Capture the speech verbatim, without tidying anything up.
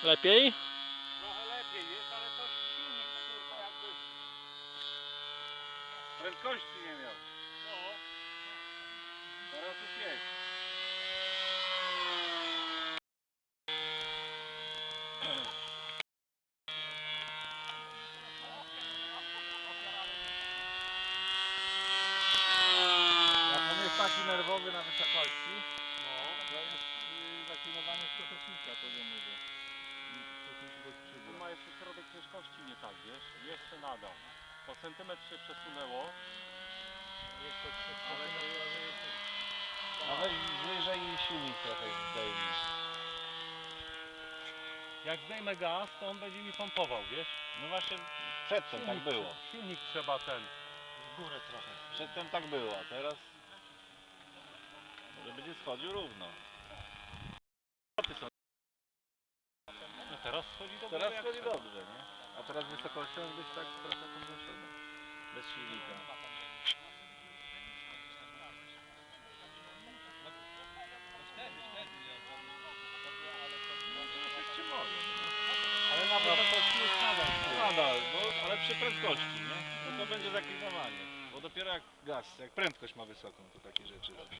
Lepiej? Trochę lepiej jest, ale to silnik kurwa jakby prędkości nie miał. No. Teraz już jest. Jak on jest taki nerwowy na wysokości, no. To jest yy, zaklinowanie skutecznika poziomego. On ma jeszcze środek ciężkości nie tak, wiesz? Jeszcze nadal. O centymetr się przesunęło. Jeszcze ale to jest... A weź wyżej i silnik trochę zdejmij. Jak zdejmę gaz, to on będzie mi pompował, wiesz? No właśnie przedtem tak było. Silnik trzeba ten, w górę trochę. Przedtem tak było, a teraz może będzie schodził równo. No teraz schodzi dobrze. Teraz schodzi dobrze, nie? A teraz wysokością być tak trochę podniesiony. Bez silnika. Ale na wysokości jest nadal. No nadal, no, ale przy prędkości, nie? To, to będzie zaklinowanie. Bo dopiero jak gaz, jak prędkość ma wysoką, to takie rzeczy robi.